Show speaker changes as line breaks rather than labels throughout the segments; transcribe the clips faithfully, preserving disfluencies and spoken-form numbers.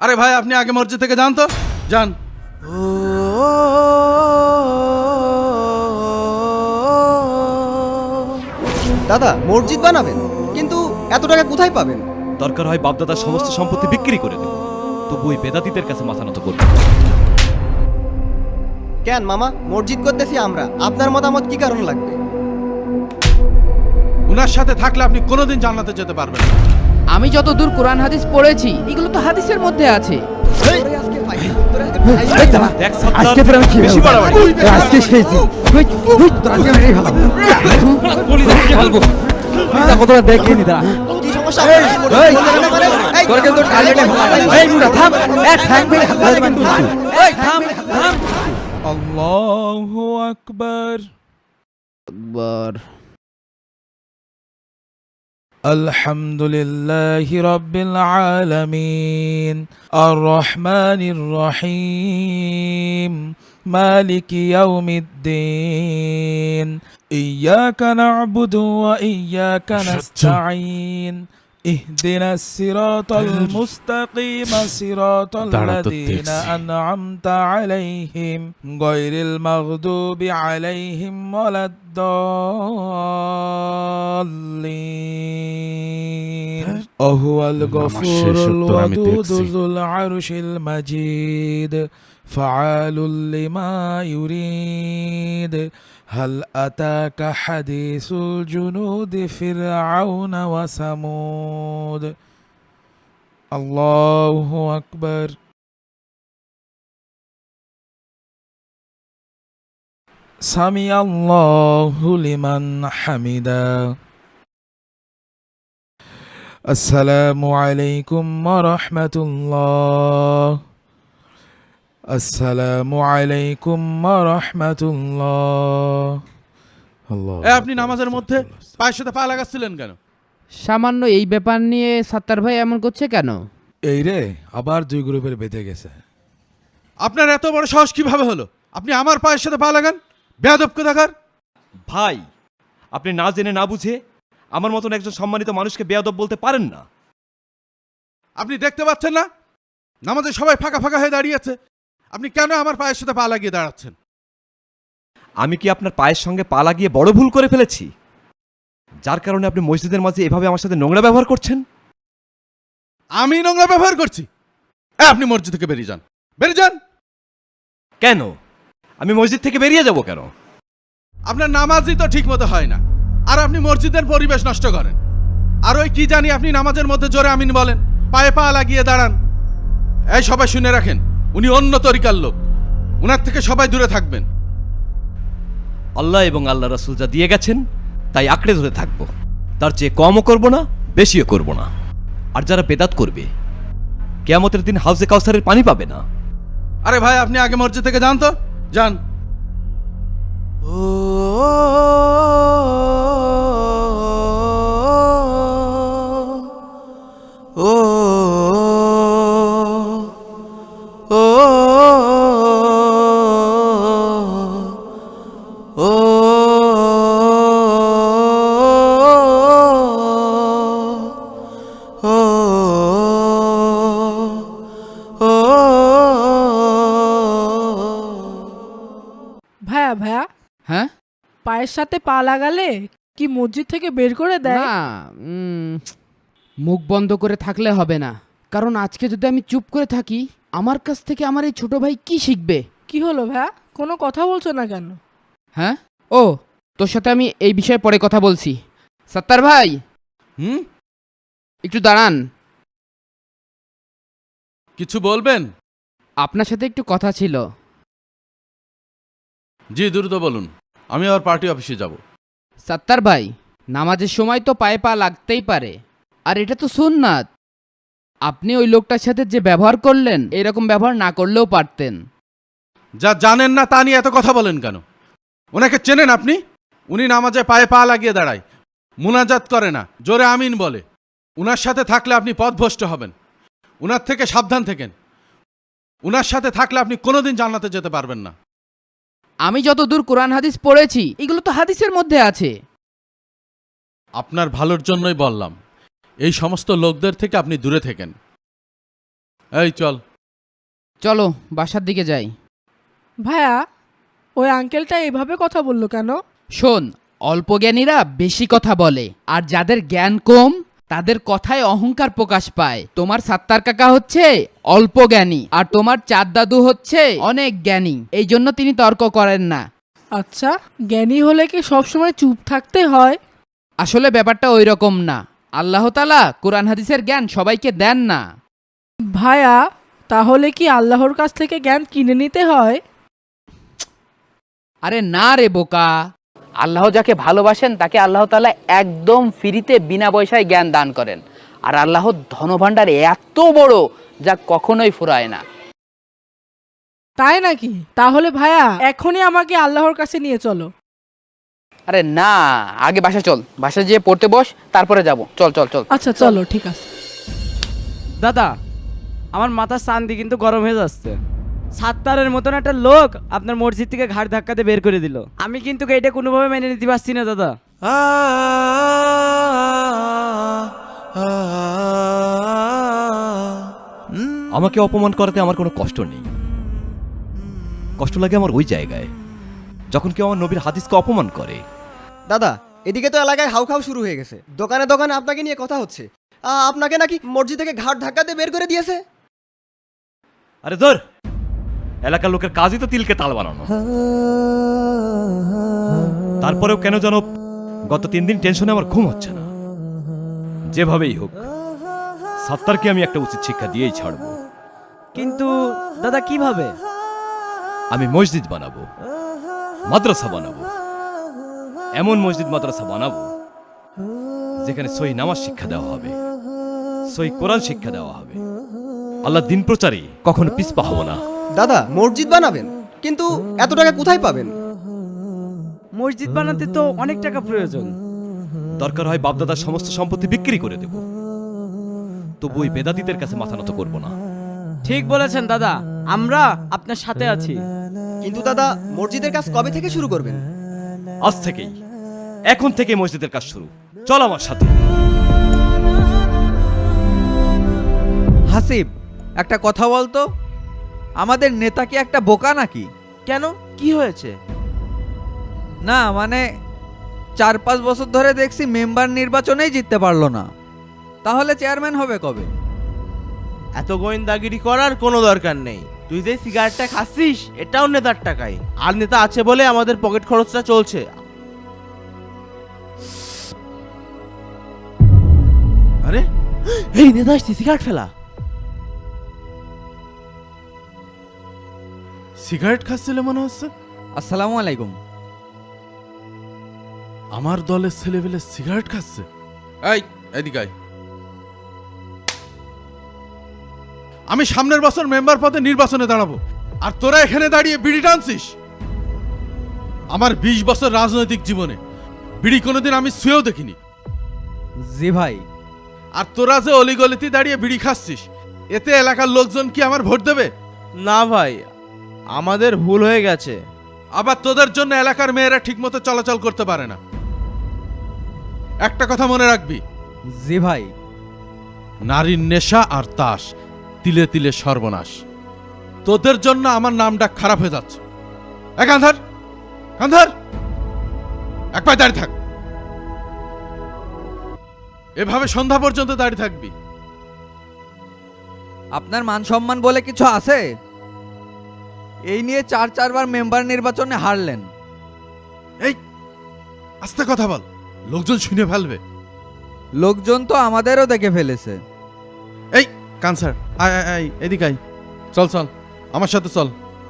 আরে ভাই আপনি আগে মসজিদ থেকে যান তো, যান।
দাদা মসজিদ বানাবেন, কিন্তু এত টাকা কোথায় পাবেন?
দরকার হয় বাপদাদার সমস্ত সম্পত্তি বিক্রি করে দেব, তবু ওই বেদাতীদের কাছে মাথা নত করব।
কেন মামা, মসজিদ করতেছি আমরা, আপনার মতামত কি কারণ লাগবে?
উনার সাথে থাকলে আপনি কোনোদিন জান্নাতে যেতে পারবেন না।
আমি যতদূর কোরআন হাদিস পড়েছি এগুলো তো হাদিসের মধ্যে আছে।
তোরে আজকে পাই, তোরে আজকে পাই।
দেখ সাত্তার,
আজকে ফের আমি কি
বেশি
বলবো?
বাড়াবাড়ি।
আজকে শেষ দিন। হুই, হুই, তোর আজকে মেরেই ফেলাবো।
বলি দেখে ফেলবো।
যা কতটা দেখে নি দাঁড়া।
কি সমস্যা?
এই,
মসজিদ
এই,
বলতে না পারে? এই,
তোর কিন্তু টার্গেটে ফেলা। এই মুড়া থাম। এক ঠ্যাং মেরে হাতে কিন্তু।
এই থাম থাম।
আল্লাহু আকবার।
আকবার।
আলহামদুলিল্লাহি রাব্বিল আলামিন আর রহমানির রহিম মালিকি ইয়াউমিদ্দিন ইয়্যাকা না'বুদু ওয়া ইয়্যাকা নাস্তাঈন ইহদিনাস সিরাতাল মুস্তাকিম সিরাতাল লাযীনা আন'আমতা আলাইহিম গায়রিল মাগদুবি আলাইহিম ওয়ালাদ-দাল্লিন ওহুয়াল গফুরুল ওয়াদুদুল আরশিল মাজিদ ফাআলুল লিমা ইউরিদ هل أتاك حديث الجنود فرعون وثمود الله أكبر سمع الله لمن حمدا السلام عليكم ورحمة الله আসসালামু আলাইকুম ওয়া রাহমাতুল্লাহ। আল্লাহ, আপনি নামাজের মধ্যে পায়ের সাথে পা লাগাচ্ছিলেন কেন?
সামান্য এই ব্যাপার নিয়ে সাত্তার ভাই এমন করছে কেন?
এই রে আবার দুই গ্রুপের বেঁধে গেছে। আপনার এত বড় সাহস কিভাবে হলো? আপনি আমার পায়ের সাথে পা লাগান, বেয়াদব কোথাকার।
ভাই, আপনি না জেনে না বুঝে আমার মতন একজন সম্মানিত মানুষকে বেয়াদব বলতে পারেন না।
আপনি দেখতে পাচ্ছেন না নামাজে সবাই ফাঁকা ফাঁকা হয়ে দাঁড়িয়ে আছে, আপনি কেন আমার পায়ের সাথে পা লাগিয়ে দাঁড়াচ্ছেন?
আমি কি আপনার পায়ের সঙ্গে পা লাগিয়ে বড় ভুল করে ফেলেছি, যার কারণে আপনি মসজিদের মাঝে এভাবে আমার সাথে নোংরা ব্যবহার করছেন?
আমি নোংরা ব্যবহার করছি? এ, আপনি মসজিদ থেকে বেরিয়ে যান, বেরিয়ে যান।
কেন? আমি মসজিদ থেকে বেরিয়ে যাব কেন?
আপনার নামাজই তো ঠিক মতো হয় না, আর আপনি মসজিদের পরিবেশ নষ্ট করেন। আর ওই কি জানি আপনি নামাজের মধ্যে জোরে আমিন বলেন, পায়ে পা লাগিয়ে দাঁড়ান। এই সবাই শুনে রাখেন, উনি অন্য তরিকার লোক, উনার থেকে সবাই দূরে থাকবেন।
আল্লাহ এবং আল্লাহ রাসূল যা দিয়ে গেছেন তাই আঁকড়ে ধরে থাকবো, তার চেয়ে কমও করব না, বেশিও করব না। আর যারা বেদাত করবে কিয়ামতের দিন হাউজে কাউসারের পানি পাবে না।
আরে ভাই আপনি আগে মসজিদ থেকে যান তো, যান।
ভাইয়া ভাইয়া
হ্যাঁ
পায়ের সাথে পা লাগালে কি মসজিদ থেকে বের করে দেয়?
না, উম, মুখ বন্ধ করে থাকলে হবে না, কারণ আজকে যদি আমি চুপ করে থাকি আমার কাছ থেকে আমার এই ছোট ভাই কি শিখবে?
কি হলো ভাইয়া, কোনো কথা বলছো না কেন?
হ্যাঁ, ও তোর সাথে আমি এই বিষয়ে পরে কথা বলছি। সাত্তার ভাই,
হুম,
একটু দাঁড়ান।
কিছু বলবেন?
আপনার সাথে একটু কথা ছিল।
জি দ্রুত বলুন, আমি আবার পার্টি অফিসে যাব।
সাত্তার ভাই, নামাজের সময় তো পায়ে পা লাগতেই পারে, আর এটা তো সুন্নাত। আপনি ওই লোকটার সাথে যে ব্যবহার করলেন এরকম ব্যবহার না করলেও পারতেন।
যা জানেন না তা নিয়ে এত কথা বলেন কেন? ওনাকে চেনেন আপনি? উনি নামাজে পায়ে পা লাগিয়ে দাঁড়ায়, মুনাজাত করে না, জোরে আমিন বলে। উনার সাথে থাকলে আপনি পথভ্রষ্ট হবেন, উনার থেকে সাবধান থাকেন। উনার সাথে থাকলে আপনি কোনোদিন জান্নাতে যেতে পারবেন না।
আমি যতদূর কোরআন হাদিস পড়েছি এগুলো তো হাদিসের মধ্যে আছে।
আপনার ভালোর জন্যই বললাম, এই সমস্ত লোকদের থেকে আপনি দূরে থাকেন। এই চল।
চলো বাসার দিকে যাই।
ভাইয়া ওই আঙ্কেলটা এভাবে কথা বললো কেন?
শোন, অল্প জ্ঞানীরা বেশি কথা বলে, আর যাদের জ্ঞান কম তাদের কথায় অহংকার প্রকাশ পায়। তোমার সাত্তার কাকা হচ্ছে অল্প জ্ঞানী, আর তোমার চাঁদ দাদু হচ্ছে অনেক জ্ঞানী, এই জন্য তিনি তর্ক করেন না।
আচ্ছা, জ্ঞানী হলে কি সবসময় চুপ থাকতে হয়?
আসলে ব্যাপারটা ওই রকম না। আল্লাহ তাআলা কোরআন হাদিসের জ্ঞান সবাইকে দেন না।
ভাইয়া তাহলে কি আল্লাহর কাছ থেকে জ্ঞান কিনে নিতে হয়?
আরে না রে বোকা, আল্লাহ যাকে ভালোবাসেন তাকে আল্লাহ তাআলা একদম ফ্রিতে বিনা পয়সায় জ্ঞান দান করেন। আর আল্লাহর ধনভাণ্ডার এত বড় যা কখনোই ফুরায় না।
তাই নাকি? তাহলে ভাইয়া এখনই আমাকে আল্লাহর কাছে নিয়ে চলো।
আরে না, আগে বাসা চল, বাসায় যেয়ে পড়তে বস, তারপরে যাব। চল চল চল।
আচ্ছা চলো, ঠিক আছে।
দাদা, আমার মাথার শান্তি কিন্তু গরম হয়ে যাচ্ছে। সাত্তারের মতন একটা লোক আপনার মসজিদ থেকে ঘাট ধাক্কাতে বের করে দিল। আমি কিন্তু এটা কোনোভাবে মেনে নিতে পারছি না দাদা।
আমাকে অপমান করাতে আমার কোনো কষ্ট নেই। কষ্ট লাগে আমার ওই জায়গায় যখন কেউ আমার নবীর হাদিসকে অপমান করে।
দাদা, এদিকে তো এলাকায় হাউখাউ শুরু হয়ে গেছে। দোকানে দোকানে আপনাকে নিয়ে কথা হচ্ছে। আ, আপনাকে নাকি মসজিদ থেকে ঘাট ধাক্কাতে বের করে দিয়েছে।
আরে ধর, এলাকার লোকের কাজই তো তিলকে তাল বানানো। তারপরেও কেন যেন গত তিন দিন টেনশনে আমার ঘুম হচ্ছে না। যেভাবেই হোক সাত্তারকে আমি একটা উচিত শিক্ষা দিয়েই ছাড়বো।
কিন্তু দাদা কিভাবে?
আমি মসজিদ বানাবো, মাদ্রাসা বানাবো, এমন মসজিদ মাদ্রাসা বানাবো যেখানে সহি নামাজ শিক্ষা দেওয়া হবে, সহি কোরআন শিক্ষা দেওয়া হবে। আল্লাহ দিন প্রচারে কখনো পিছপা হব না।
দাদা, মসজিদ বানাবেন, কিন্তু এত টাকা কোথায় পাবেন?
মসজিদ বানাতে তো অনেক টাকা প্রয়োজন।
দরকার হয় বাপদাদার সমস্ত সম্পত্তি বিক্রি করে দেব, তবু ওই বেদাতীদের কাছে মাথা নত করবো না।
ঠিক বলেছেন দাদা, আমরা আপনার সাথে আছি।
কিন্তু দাদা, মসজিদের কাজ কবে থেকে শুরু করবেন?
আজ থেকেই, এখন থেকে মসজিদের কাজ শুরু। চল আমার সাথে।
হাসিব, একটা কথা বলতো, আমাদের নেতা কি একটা বোকা নাকি?
কেন, কি হয়েছে?
না মানে চার পাঁচ বছর ধরে দেখছি মেম্বার নির্বাচনেই জিততে পারলো না, তাহলে চেয়ারম্যান হবে কবে?
এত গোয়েন্দাগিরি করার কোনো দরকার নেই। তুই যে সিগারেটটা খাচ্ছিস এটাও নেতার টাকাই, আর নেতা আছে বলে আমাদের পকেট খরচটা চলছে। আরে এই নেতা আসছে, সিগারেট ফেলা।
সিগারেট খাচ্ছিলে মনে হচ্ছে।
আসসালামু আলাইকুম।
আমার দলের ছেলেবেলে সিগারেট খাচ্ছে। এই এদিকে আয়। আমি সামনের বছর মেম্বার পদে নির্বাচনে দাঁড়াবো, আর তোরা এখানে দাঁড়িয়ে বিড়ি টানছিস। আমার বিশ বছর রাজনৈতিক জীবনে বিড়ি কোনোদিন আমি ছুঁয়েও দেখিনি।
জি ভাই।
আর তোরা যে অলিগলিতে দাঁড়িয়ে বিড়ি খাচ্ছিস, এতে এলাকার লোকজন কি আমার ভোট দেবে?
না ভাই, আমাদের ভুল হয়ে গেছে।
আবার তোদের জন্য এলাকার মেয়েরা ঠিকমতো চলাচল করতে পারে না। একটা কথা মনে রাখবি,
জি ভাই।
নারীর নেশা আর তাস তিলে তিলে সর্বনাশ। তোদের জন্য আমার নামটা খারাপ হয়ে যাচ্ছে। এক কান্ধার, কান্ধার, এক পায়ে দাঁড়িয়ে থাক। এভাবে সন্ধ্যা পর্যন্ত দাঁড়িয়ে থাকবি।
আপনার মান সম্মান বলে কিছু আছে? এই নিয়ে চার চারবার মেম্বার নির্বাচনে হারলেন।
এই আস্তে কথা বল, লোকজন শুনে ফেলবে।
লোকজন তো আমাদেরও দেখে ফেলেছে।
এই কানসার, আয় আয় আয়, এদিকে আয়। চল চল আমার সাথে চল।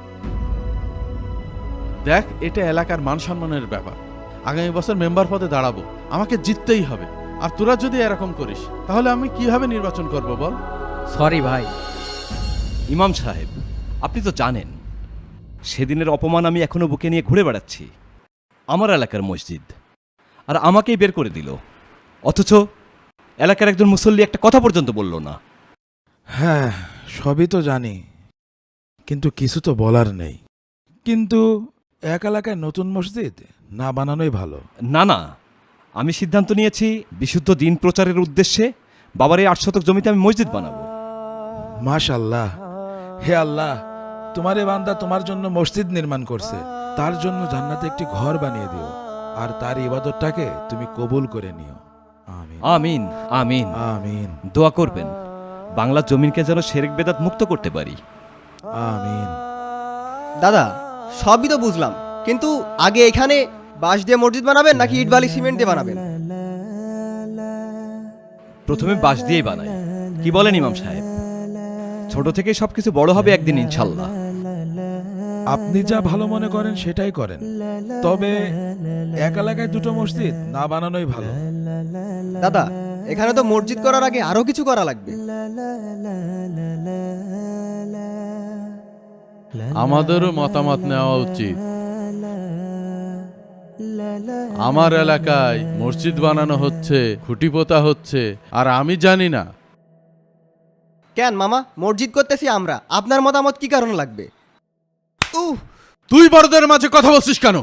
দেখ, এটা এলাকার মান সম্মানের ব্যাপার। আগামী বছর মেম্বার পদে দাঁড়াবো, আমাকে জিততেই হবে। আর তোরা যদি এরকম করিস তাহলে আমি কিভাবে নির্বাচন করব বল?
সরি ভাই।
ইমাম সাহেব, আপনি তো জানেন সেদিনের অপমান আমি এখনো বুকে নিয়ে ঘুরে বেড়াচ্ছি। আমার এলাকার মসজিদ, আর আমাকেই বের করে দিল, অথচ এলাকার একজন মুসল্লি একটা কথা পর্যন্ত বলল না।
হ্যাঁ, সবই তো জানি, কিন্তু কিছু তো বলার নেই। কিন্তু এক এলাকায় নতুন মসজিদ না বানানোই ভালো।
না না, আমি সিদ্ধান্ত নিয়েছি বিশুদ্ধ দিন প্রচারের উদ্দেশ্যে বাবার এই আট শতক জমিতে আমি মসজিদ বানাবো।
মাশাল্লাহ, হে আল্লাহ, তোমার এ বান্দা তোমার জন্য মসজিদ নির্মাণ করছে, তার জন্য জান্নাতে একটি ঘর বানিয়ে দিও, আর তার ইবাদতটাকে তুমি কবুল করে নিও। আমিন
আমিন আমিন।
আমিন
দোয়া করবেন বাংলা জমিনকে যেন শিরক বেদাত মুক্ত করতে পারি।
আমিন।
দাদা সবই তো বুঝলাম, কিন্তু আগে এখানে বাঁশ দিয়ে মসজিদ বানাবেন নাকি ইট বালি সিমেন্ট দিয়ে বানাবেন?
প্রথমে বাঁশ দিয়েই বানাই, কি বলেন ইমাম সাহেব? ছোট থেকে সবকিছু বড় হবে একদিন ইনশাল্লাহ।
আপনি যা ভালো মনে করেন সেটাই করেন, তবে এক এলাকায় দুটো মসজিদ না বানানোই ভালো।
দাদা এখানে তো মসজিদ করার আগে আরো কিছু করা লাগবে।
আমাদেরও মতামত নেওয়া উচিত। আমার এলাকায় মসজিদ বানানো হচ্ছে, খুঁটি পোতা হচ্ছে, আর আমি জানি না।
কেন মামা, মসজিদ করতেছি আমরা, আপনার মতামত কি কারণ লাগবে? উহ,
তুই বড়দের মাঝে কথা বলছিস কেন?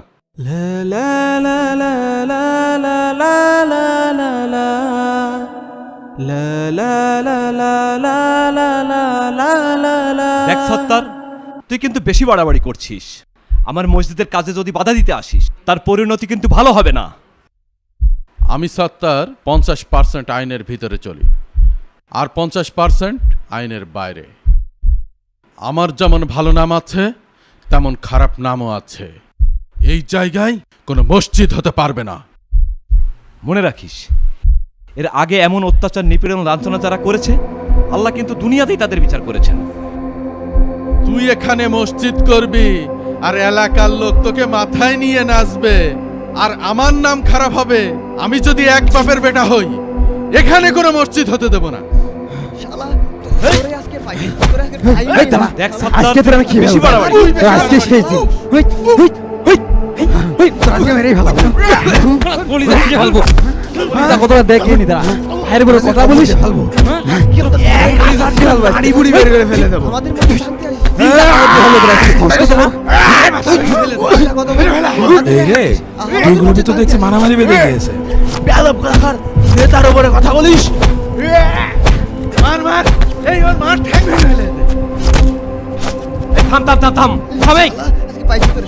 দেখ সত্তার, তুই কিন্তু বেশি বাড়াবাড়ি করছিস। আমার মসজিদের কাজে যদি বাধা দিতে আসিস, তার পরিণতি কিন্তু ভালো হবে না।
আমি সত্তার পঞ্চাশ পার্সেন্ট আইনের ভিতরে চলি, আর পঞ্চাশ পার্সেন্ট আইনের বাইরে। আমার যেমন ভালো নাম আছে, তেমন খারাপ নামও আছে। এই জায়গায় কোনো মসজিদ হতে পারবে না।
মনে রাখিস, এর আগে এমন অত্যাচার, নিপীড়ন, লাঞ্ছনা যারা করেছে, আল্লাহ কিন্তু দুনিয়াতেই তাদের বিচার করেছেন।
তুই এখানে মসজিদ করবি, আর এলাকার লোক তোকে মাথায় নিয়ে নাচবে, আর আমার নাম খারাপ হবে। আমি যদি এক বাপের বেটা হই, এখানে কোনো মসজিদ হতে দেব না।
শালা, তোরে আজকে পাই, তোরে আজকে পাই।
এই দাঁড়া, দেখ সত্তার, বেশি বাড়াবাড়ি।
আজকে শেষ দিন। হুই, হুই, হুই, হুই, তোর আজকে মেরেই ফেলাবো।
কলিজা কি ফেলবো?
কতটা দেখিনি দাঁড়া, হায়ের বড় কথা বলিস ফেলবো। গাড়ি বুড়ি বের করে ফেলে দেবো। আমাদের মধ্যে শান্তি আসবে।
এই রে, দুইগুলোতে তো দেখছি মারামারি বেঁধে গিয়েছে।
নেতার উপরে কথা বলিস? মার মার, এই ওর মার ঠ্যাং ভেঙে ফেলে দে।
এই থাম থাম থাম থাম থাম, এই
আজকে পাইছি তোরে।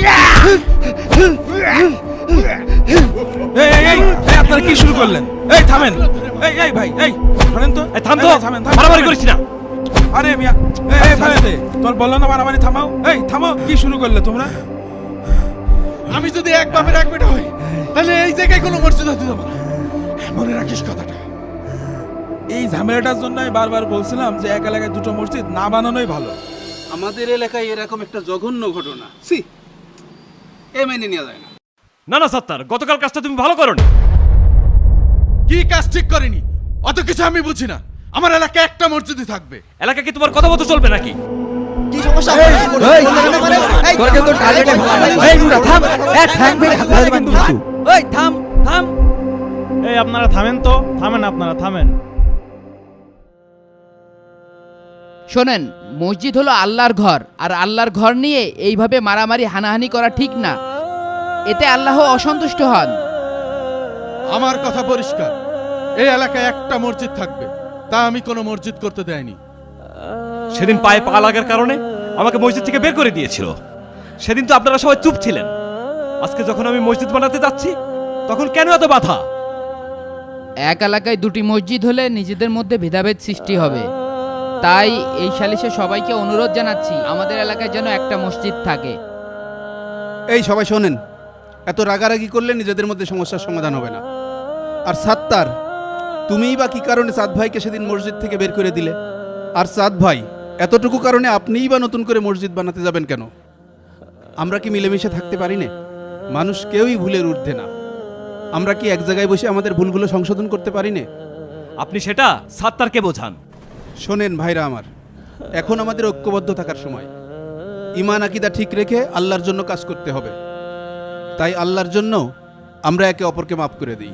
এই এই এই, এই, আপনারা কি শুরু করলেন? এই থামেন, এই এই ভাই, এই থামেন তো,
এই থাম তো,
এই, থামেন, থামেন,
মারামারি
থামেন।
করিস না।
আরে মিয়া, এই এই ভাই, তোর বললো না মারামারি থামাও। এই থামো, কি শুরু করলে তোমরা?
আমি যদি এক বাপের এক বেটা হই, তাহলে এই জায়গায় কোনো মসজিদ হতে দেব না। মনে রাখিস কথাটা।
এই ঝামেলাটার জন্য আমি বারবার বলছিলাম যে এক এলাকায় দুটো মসজিদ না বানানোই ভালো।
আমাদের এলাকায় এরকম একটা জঘন্য ঘটনা, সি এ মেনে নেওয়া যায় না।
না না সত্তার, গতকাল কাজটা তুমি ভালো করোনি।
কি কাজ ঠিক করিনি অত কিছু আমি বুঝি না। আমার এলাকায় একটা মসজিদই থাকবে।
এলাকা কি তোমার কথা মতো চলবে নাকি?
কি সমস্যা? তোকে তো টার্গেটে ফেলা। এই মুড়া থাম, এক ঠ্যাং ভেঙে ফেলে কিন্তু।
ওই থাম থাম।
এই আপনারা থামেন তো, থামেন, আপনারা থামেন।
শোনেন, মসজিদ হলো আল্লাহর ঘর, আর আল্লাহর ঘর নিয়ে এইভাবে মারামারি, হানাহানি করা ঠিক না। এতে আল্লাহ অসন্তুষ্ট হন।
আমার কথা পরিষ্কার, এই এলাকায় একটা মসজিদ থাকবে, তা আমি কোনো মসজিদ করতে দেয়নি।
সেদিন পায়ে পা লাগার কারণে আমাকে মসজিদ থেকে বের করে দিয়েছিল। সেদিন তো আপনারা সবাই চুপ ছিলেন। আজকে যখন আমি মসজিদ বানাতে যাচ্ছি, তখন কেন এত বাধা?
এক এলাকায় দুটি মসজিদ হলে নিজেদের মধ্যে ভেদাভেদ সৃষ্টি হবে। তাই এই সালিশে সবাইকে অনুরোধ জানাচ্ছি, আমাদের এলাকায় যেন একটা মসজিদ থাকে।
এই সবাই শোনেন, এত রাগারাগি করলে নিজেদের মধ্যে সমস্যার সমাধান হবে না। আর সাত্তার, তুমিই বা কি কারণে সাদ ভাইকে সেদিন মসজিদ থেকে বের করে দিলে? আর সাদ ভাই, এতটুকু কারণে আপনিই বা নতুন করে মসজিদ বানাতে যাবেন কেন? আমরা কি মিলেমিশে থাকতে পারি না? মানুষ কেউই ভুলের ঊর্ধ্বে না। আমরা কি এক জায়গায় বসে আমাদের ভুলগুলো সংশোধন করতে পারি না?
আপনি সেটা সাত্তারকে বোঝান।
শোনেন ভাইরা আমার, এখন আমাদের ঐক্যবদ্ধ থাকার সময়। ঈমান আকীদা ঠিক রেখে আল্লাহর জন্য কাজ করতে হবে। তাই আল্লাহর জন্য আমরা একে অপরকে মাফ করে দিই।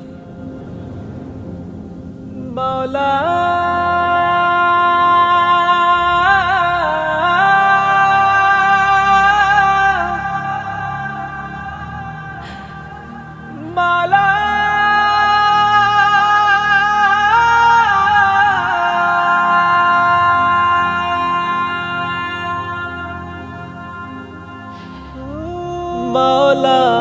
মাওলা